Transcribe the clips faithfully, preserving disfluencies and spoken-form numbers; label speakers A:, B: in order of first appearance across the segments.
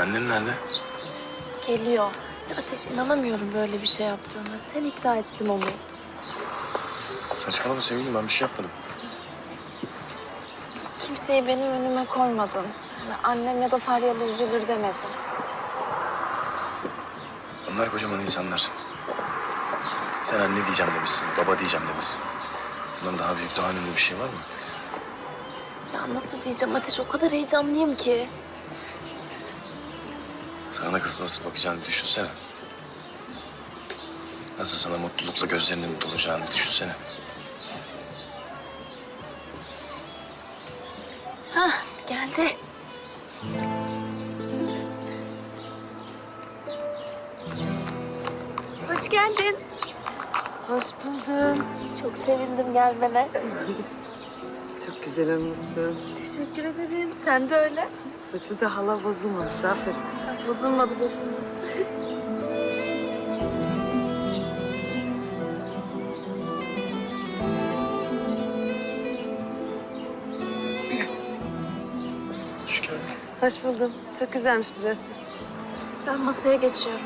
A: Annen nerede?
B: Geliyor. Ya Ateş, inanamıyorum böyle bir şey yaptığına. Sen ikna ettin onu.
A: Saçmalama sevgilim, ben bir şey yapmadım.
B: Kimseyi benim önüme koymadın. Ya annem ya da Faryalı üzülür demedin.
A: Onlar kocaman insanlar. Sen anne diyeceğim demişsin, baba diyeceğim demişsin. Bundan daha büyük, daha önemli bir şey var mı?
B: Ya nasıl diyeceğim Ateş, o kadar heyecanlıyım ki.
A: Sana kız nasıl bakacağını düşünsene. Nasıl sana mutlulukla gözlerinin dolacağını düşünsene.
B: Hah, geldi. Hoş geldin.
C: Hoş buldum.
B: Çok sevindim gelmene.
C: Çok güzel olmuşsun.
B: Teşekkür ederim. Sen de öyle.
C: Saçı da hala bozulmamış. Aferin.
B: Bozulmadı, bozulmadı.
A: Hoş geldin.
C: Hoş buldum. Çok güzelmiş burası.
B: Ben masaya geçiyorum.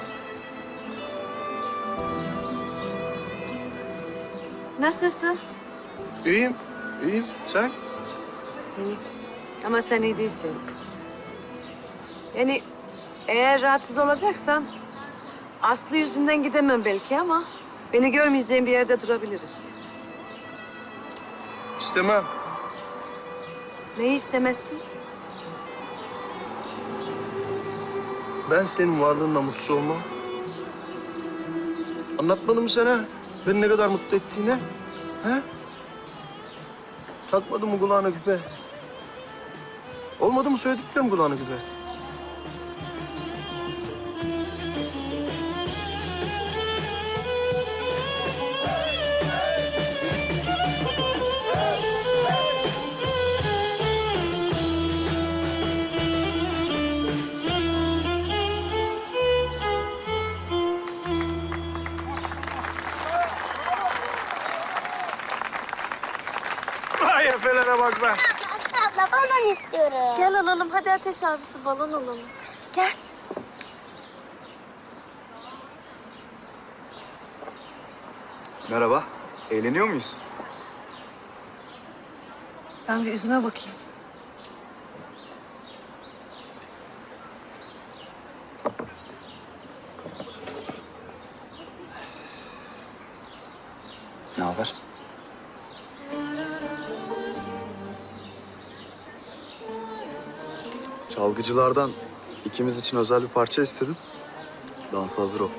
C: Nasılsın?
A: İyiyim, iyiyim. Sen?
C: İyi. Ama sen iyi değilsin. Yani eğer rahatsız olacaksan Aslı yüzünden gidemem belki ama beni görmeyeceğin bir yerde durabilirim.
A: İstemem.
C: Neyi istemezsin?
D: Ben senin varlığınla mutsuz olmam. Anlatmadım mı sana beni ne kadar mutlu ettiğini? He? Takmadın mı kulağına küpe? Olmadı mı söylediklerim kulağına küpe? Vay efelere bak be.
E: Abla balon istiyorum.
B: Gel alalım. Hadi Ateş abisi, balon alalım. Gel.
F: Merhaba. Eğleniyor muyuz?
C: Ben bir yüzüme bakayım.
F: Ne haber? Çalgıcılardan ikimiz için özel bir parça istedim. Dansa hazır ol.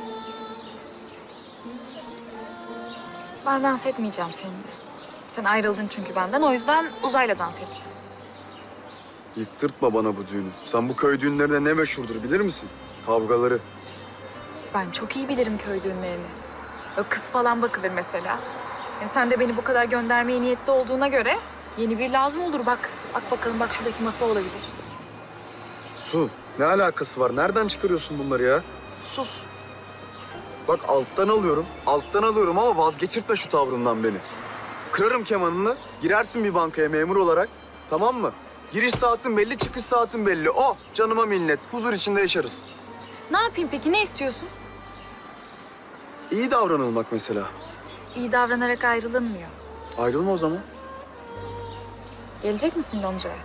G: Ben dans etmeyeceğim seninle. Sen ayrıldın çünkü benden. O yüzden Uzay'la dans edeceğim.
F: Yıktırtma bana bu düğünü. Sen bu köy düğünlerinde ne meşhurdur bilir misin? Kavgaları.
G: Ben çok iyi bilirim köy düğünlerini. O kız falan bakılır mesela. Yani sen de beni bu kadar göndermeye niyetli olduğuna göre yeni bir lazım olur bak. Bak bakalım, bak şuradaki masa olabilir.
F: Su, ne alakası var? Nereden çıkarıyorsun bunları ya?
G: Sus.
F: Bak alttan alıyorum, alttan alıyorum ama vazgeçirtme şu tavrından beni. Kırarım kemanını, girersin bir bankaya memur olarak. Tamam mı? Giriş saatin belli, çıkış saatin belli. O canıma minnet, huzur içinde yaşarız.
G: Ne yapayım peki, ne istiyorsun?
F: İyi davranılmak mesela.
G: İyi davranarak ayrılınmıyor.
F: Ayrılma o zaman.
G: Gelecek misin Lonca'ya?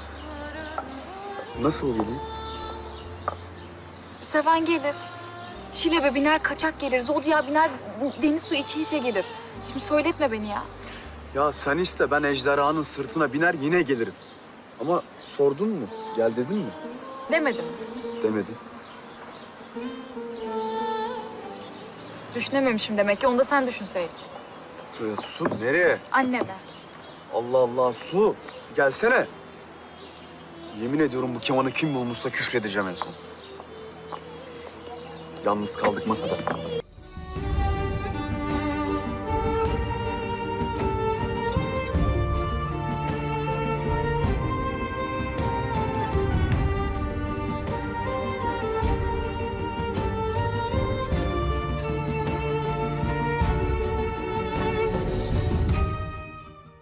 F: Nasıl geleyim?
G: Seven gelir. Şilebe biner, kaçak gelir. Zodya biner, deniz suyu içe içe gelir. Şimdi söyletme beni ya.
F: Ya sen iste, ben ejderhanın sırtına biner yine gelirim. Ama sordun mu? Gel dedin mi?
G: Demedim.
F: Demedi.
G: Düşünememişim demek ki. Onu da sen düşünseydin.
F: Ee, Su nereye?
G: Anneme.
F: Allah Allah Su. Gelsene. Yemin ediyorum bu kemanı kim bulmuşsa küfredeceğim en son. Yalnız kaldık masada.